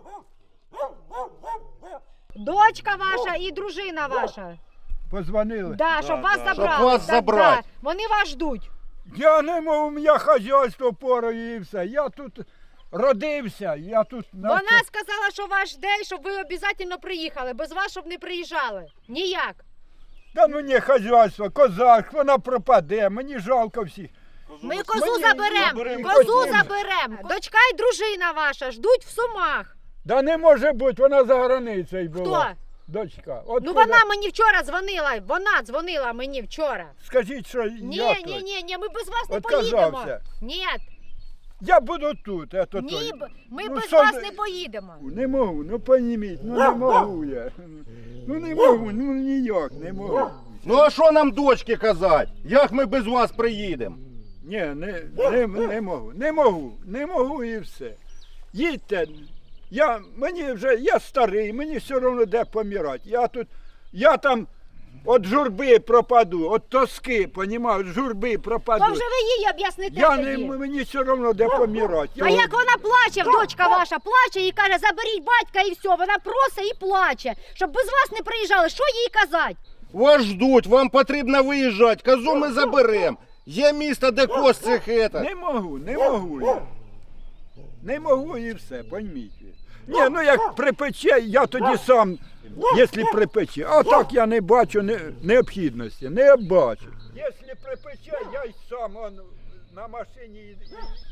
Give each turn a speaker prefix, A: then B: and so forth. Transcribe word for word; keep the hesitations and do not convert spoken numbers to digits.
A: Дочка ваша і дружина ваша.
B: Позвонили?
A: Да, щоб
C: Да,
A: вас
C: да.
A: забрали.
C: Щоб вас
A: Да,
C: забрати.
A: да. Вони вас ждуть.
B: Я не можу, у мене хазяйство порою і все. Я тут родився, я тут...
A: Вона сказала, що вас жде, щоб ви обов'язково приїхали. Без вас, щоб не приїжджали. Ніяк.
B: Та мені хазяйство, козак, вона пропаде, мені жалко всіх.
A: Ми козу
B: Мені
A: заберемо.
C: заберемо
A: Козу
B: козу.
A: заберемо. Дочка і дружина ваша ждуть в Сумах.
B: Да не може бути, вона за границею була.
A: Хто?
B: Дочка. От
A: Ну
B: куди-
A: вона мені вчора дзвонила. Вона дзвонила мені вчора.
B: Скажіть, що
A: Ні,
B: я
A: ні,
B: тут.
A: ні, ні, ми без вас не
B: Отказався.
A: поїдемо. Ні,
B: Я буду тут. Это
A: ні,
B: той.
A: б- ми
B: Ну,
A: без
B: що
A: вас
B: ви-
A: не поїдемо.
B: Не можу, ну поніміть, ну не можу я. Ну не можу, ну ніяк не можу.
C: Ну а що нам дочки казати? Як ми без вас приїдемо?
B: Ні, не, не, не можу, не можу, не можу і все. Їдьте, я, мені вже, я старий, мені все одно де помирати. Я тут, я там від журби пропаду, від тоски, понімаєш, від журби пропаду.
A: То вже ви їй об'ясните
B: Я не,
A: тоді.
B: мені все одно де помирати.
A: А
B: Я-
A: як вона плаче, дочка ваша плаче і каже, заберіть батька і все, вона просить і плаче, щоб без вас не приїжджали, що їй казати?
C: Вас ждуть, вам потрібно виїжджати, козу ми заберемо. Є місто, де коз цих ета.
B: Не можу, не можу я. Не можу і все, пойміть. Ні, ну як припече, я тоді сам, якщо припече. А так я не бачу не, необхідності, не бачу. Якщо припече, я й сам он, на машині і, і